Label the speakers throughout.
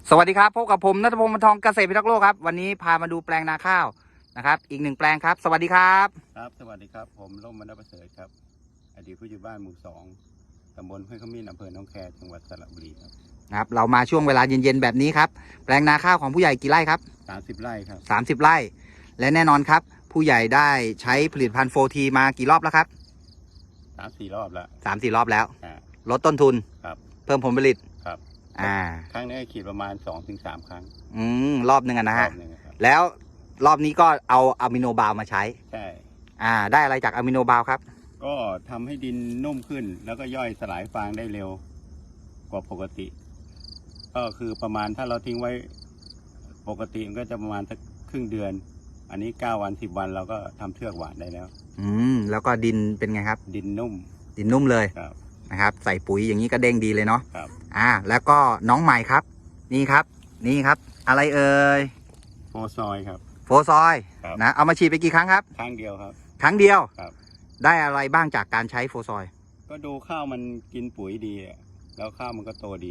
Speaker 1: สวัสดีครับพบกับผมณัฐพงศ์ วรรณทองเกษตรพิทักษ์โลกครับวันนี้พามาดูแปลงนาข้าวนะครับอีกหนึ่งแปลงครับสวัสดีครับ
Speaker 2: ครับสวัสดีครับผมร่มมณประเสริฐครับอดีตผู้ใหญ่บ้านหมู่2ตำบลห้วยขมิ้นอำเภอหนองแคจังหวัดสระบุรี
Speaker 1: ครับเรามาช่วงเวลาเย็นๆแบบนี้ครับแปลงนาข้าวของผู้ใหญ่กี่ไร่ครับ
Speaker 2: 30 ไร่ครับ
Speaker 1: 30 ไร่และแน่นอนครับผู้ใหญ่ได้ใช้ผลิตภัณฑ์โฟทีมากี่รอบแล้วครับ
Speaker 2: 3-4 รอบแล้ว
Speaker 1: 3-4 รอบแล้วลดต้นทุน
Speaker 2: ครับ
Speaker 1: เพิ่มผลผลิต
Speaker 2: ครับครั้งนี้ขีดประมาณ 2-3 ครั้ง
Speaker 1: รอบหนึ่งนะฮะแล้วรอบนี้ก็เอาอะมิโนบาลมาใช้
Speaker 2: ใช่
Speaker 1: ได้อะไรจากอะมิโนบาลครับ
Speaker 2: ก็ทำให้ดินนุ่มขึ้นแล้วก็ย่อยสลายฟางได้เร็วกว่าปกติก็คือประมาณถ้าเราทิ้งไว้ปกติมันก็จะประมาณสักครึ่งเดือนอันนี้9 วัน 10 วันเราก็ทำเทือกหวานได้แล้ว
Speaker 1: แล้วก็ดินเป็นไงครับ
Speaker 2: ดินนุ่
Speaker 1: มเลยนะครับใส่ปุ๋ยอย่างนี้ก็เด้งดีเลยเนาะแล้วก็น้องใหม่ครับนี่ครับอะไรเอ่ย
Speaker 2: โฟซอยครับ
Speaker 1: โฟซอยนะเอามาฉีดไปกี่ครั้งครับ
Speaker 2: ครั้งเดียวครับ
Speaker 1: ครั้งเดียว
Speaker 2: ครับ
Speaker 1: ได้อะไรบ้างจากการใช้โฟซอย
Speaker 2: ก็ดูข้าวมันกินปุ๋ยดีแล้วข้าวมันก็โตดี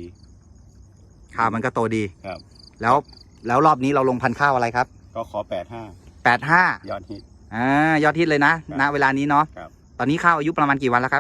Speaker 1: ครับแล้วรอบนี้เราลงพันธุ์ข้าวอะไรครับ
Speaker 2: ก็ขอ
Speaker 1: 85
Speaker 2: ยอดฮิต
Speaker 1: ยอดฮิตเลยนะณเวลานี้เนาะตอนนี้ข้าวอายุประมาณกี่วันแล้วครับ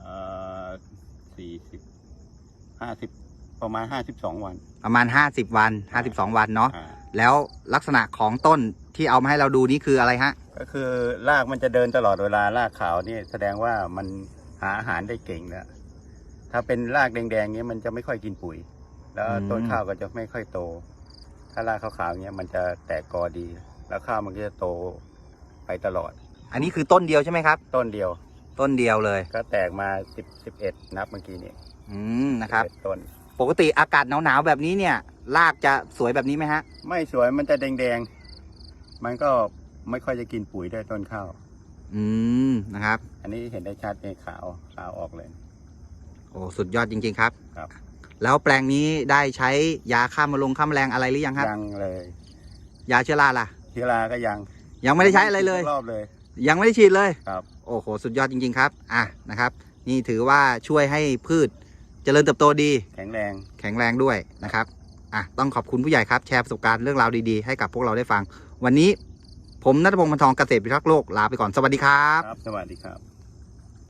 Speaker 2: 50ประมาณ52 วัน
Speaker 1: ประมาณ50 วัน52 วันเนาะแล้วลักษณะของต้นที่เอามาให้เราดูนี่คืออะไรฮะ
Speaker 2: ก็คือรากมันจะเดินตลอดเวลารากขาวนี่แสดงว่ามันหาอาหารได้เก่งแล้วถ้าเป็นรากแดงๆนี้มันจะไม่ค่อยกินปุ๋ยแล้วต้นข้าวก็จะไม่ค่อยโตถ้ารากขาวๆเนี้ยมันจะแตกกอดีแล้วข้าวมันก็จะโตไปตลอด
Speaker 1: อันนี้คือต้นเดียวใช่ไหมครับ
Speaker 2: ต้นเดียว
Speaker 1: เลย
Speaker 2: ก็แตกมา11นับเมื่อกี้นี้
Speaker 1: นะครับ
Speaker 2: ต้น
Speaker 1: ปกติอากาศหนาวๆแบบนี้เนี่ยรากจะสวยแบบนี้ไหมฮะ
Speaker 2: ไม่สวยมันจะแดงๆมันก็ไม่ค่อยจะกินปุ๋ยได้ต้นข้าว
Speaker 1: นะครับ
Speaker 2: อันนี้เห็นได้ชัดในขาวออกเลย
Speaker 1: โอ้สุดยอดจริงๆครับแล้วแปลงนี้ได้ใช้ยาฆ่าแมลงอะไรหรือยังครับ
Speaker 2: ยังเลย
Speaker 1: ยาเชื้อราล่ะ
Speaker 2: เชื้อราก็
Speaker 1: ยังไม่ได้ใช้อะไรเลย
Speaker 2: รอบเลย
Speaker 1: ยังไม่ได้ฉีดเลย
Speaker 2: ครับ
Speaker 1: โอ้โหสุดยอดจริงๆครับนะครับนี่ถือว่าช่วยให้พืชเจริญเติบโตดี
Speaker 2: แข็งแรง
Speaker 1: ด้วยนะครับต้องขอบคุณผู้ใหญ่ครับแชร์ประสบการณ์เรื่องราวดีๆให้กับพวกเราได้ฟังวันนี้ผมณัฐพงศ์ วรรณทองเกษตรพิทักษ์โลกลาไปก่อนสวัสดีครับ
Speaker 2: สวัสดีครับ